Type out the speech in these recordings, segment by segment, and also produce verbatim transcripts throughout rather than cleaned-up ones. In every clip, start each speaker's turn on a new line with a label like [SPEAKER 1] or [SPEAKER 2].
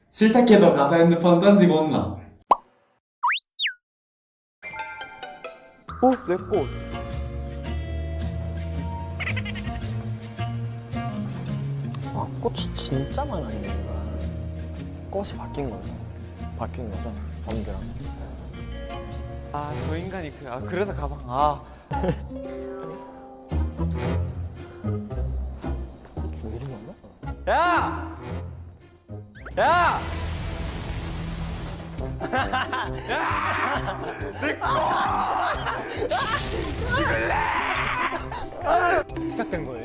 [SPEAKER 1] 싫다 해도 가서 핸드폰 던지고 온나?
[SPEAKER 2] 어? 내 꽃. 아, 꽃이 진짜 많았네. 꽃이 바뀐 거죠. 바뀐 거죠. 범규랑.
[SPEAKER 3] 아, 저 인간이 그, 아, 그래서 가방. 아,
[SPEAKER 2] 왜 이리 많아?
[SPEAKER 3] 야! 야!
[SPEAKER 2] 시작된 거예요?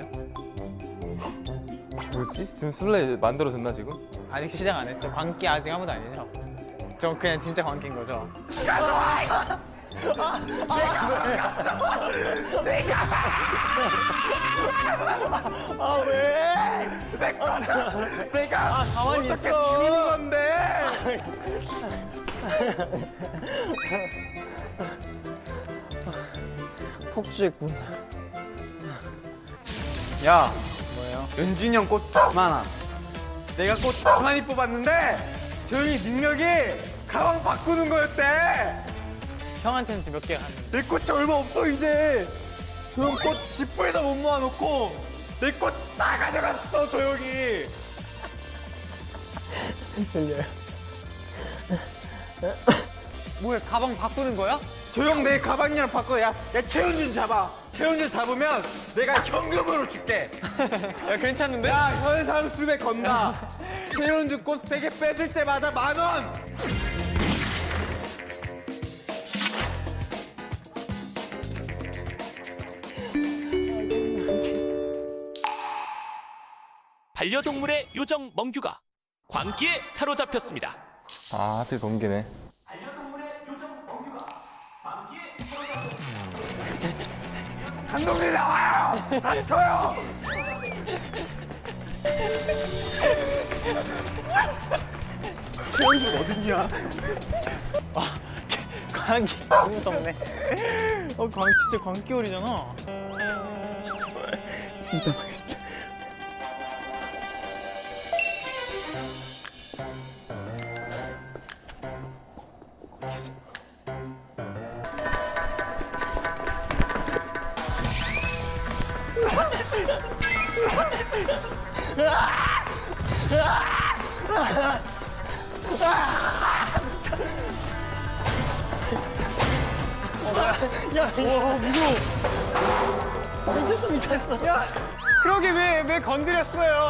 [SPEAKER 3] 뭐지? 지금 술래 만들어졌나 지금?
[SPEAKER 4] 아직 시작 안 했죠? 광기 아직 아무도 아니죠? 저 그냥 진짜 광기인 거죠?
[SPEAKER 2] 아, 왜?
[SPEAKER 3] 내가
[SPEAKER 2] 아, 가만히
[SPEAKER 3] 어떻게
[SPEAKER 2] 있어.
[SPEAKER 3] 죽는 건데?
[SPEAKER 2] 폭주했군.
[SPEAKER 3] 야,
[SPEAKER 4] 뭐예요?
[SPEAKER 3] 연준이 형 꽃 많아. 내가 꽃 많이 뽑았는데 조용히 능력이 가방 바꾸는 거였대.
[SPEAKER 4] 형한테는 지금 몇 개가 갔는데
[SPEAKER 3] 내 꽃이 얼마 없어 이제. 저 형 꽃 지퍼에다 못 모아놓고 내 꽃 다 가져갔어 조용히.
[SPEAKER 2] 들려요.
[SPEAKER 4] 뭐야 가방 바꾸는 거야?
[SPEAKER 3] 저 형 내 가방이랑 바꿔. 야, 야 최현준 잡아. 최현준 잡으면 내가 현금으로 줄게.
[SPEAKER 4] 야 괜찮은데?
[SPEAKER 3] 야, 현상 수백 건다. 최현준 꽃 세 개 뺏을 때마다 만 원.
[SPEAKER 5] 반려동물의 요정 멍규가 광기에 사로잡혔습니다.
[SPEAKER 3] 아, 하필 번개네.
[SPEAKER 5] 반려동물의 요정 멍규가 광기에 사로잡혔습니다.
[SPEAKER 3] 감독님 나와요. 다쳐요. 최현준 어딨냐?
[SPEAKER 4] 광기 너무 무섭네. 어 광 진짜 광기올이잖아.
[SPEAKER 2] 진짜 망했어. 야, 와, 무서워. 미쳤어, 미쳤어. 야,
[SPEAKER 4] 그러게 왜 왜 건드렸어요?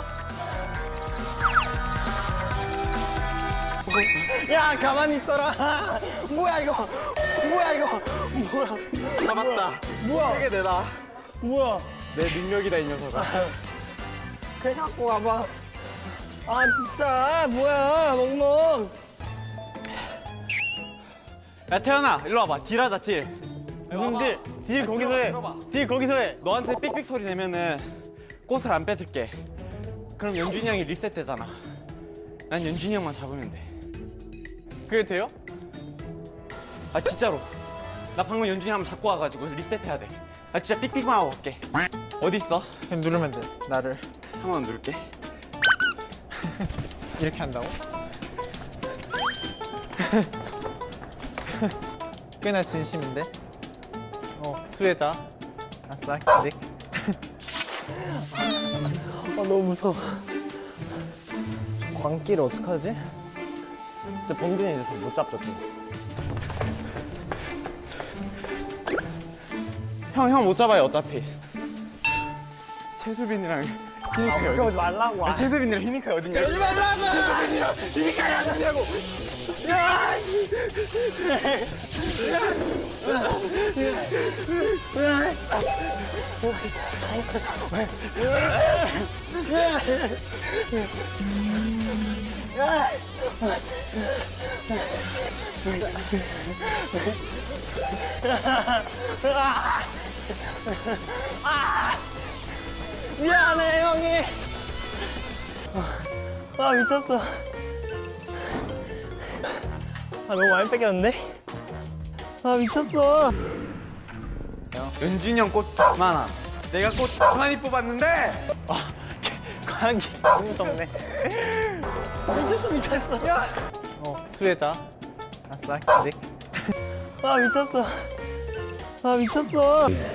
[SPEAKER 2] 야, 가만히 있어라. 뭐야, 이거. 뭐야, 이거. 뭐야.
[SPEAKER 3] 잡았다.
[SPEAKER 2] 뭐야.
[SPEAKER 3] 세게 내다.
[SPEAKER 2] 뭐야.
[SPEAKER 3] 내 능력이다 이 녀석아.
[SPEAKER 2] 그래, 갖고 와봐. 아, 진짜. 뭐야, 멍멍.
[SPEAKER 4] 야 태연아 일로 와봐. 딜하자 딜. 무슨 딜? 딜 거기서 해.
[SPEAKER 3] 들어봐.
[SPEAKER 4] 딜 거기서 해.
[SPEAKER 3] 너한테 삑삑 소리 내면은 꽃을 안 뺏을게. 그럼 연준이 형이 리셋되잖아. 난 연준이 형만 잡으면 돼.
[SPEAKER 4] 그게 돼요?
[SPEAKER 3] 아 진짜로. 나 방금 연준이 형 한번 잡고 와가지고 리셋해야 돼. 나 진짜 삑삑만 하고 올게. 어디 있어?
[SPEAKER 4] 그냥 누르면 돼. 나를
[SPEAKER 3] 한 번 누를게.
[SPEAKER 4] 이렇게 한다고? 꽤나 진심인데? 어 수혜자. 아싸 기릭.
[SPEAKER 2] 아, 너무 무서워. 광기를 어떡하지? 진짜 범균이 이제 못 잡죠, 또.
[SPEAKER 3] 형, 형 못 잡아요 어차피. 최수빈이랑 희니카이 어디?
[SPEAKER 2] 그러지 말라고.
[SPEAKER 3] 아, 최수빈이랑 희니카이 어딨냐? 그러지 말라고! 최수빈이랑 희니카이 어딨냐고!
[SPEAKER 2] 미안해, 형이. 아, 미쳤어. 아, 너무 많이 뺏겼는데? 아, 미쳤어.
[SPEAKER 3] 연준이 형 꽃 많아. 내가 꽃 많이 뽑았는데
[SPEAKER 4] 광기 너무 무섭네.
[SPEAKER 2] 미쳤어 미쳤어. 야.
[SPEAKER 4] 어 수혜자. 아싸 기릭.
[SPEAKER 2] 아 미쳤어. 아 미쳤어.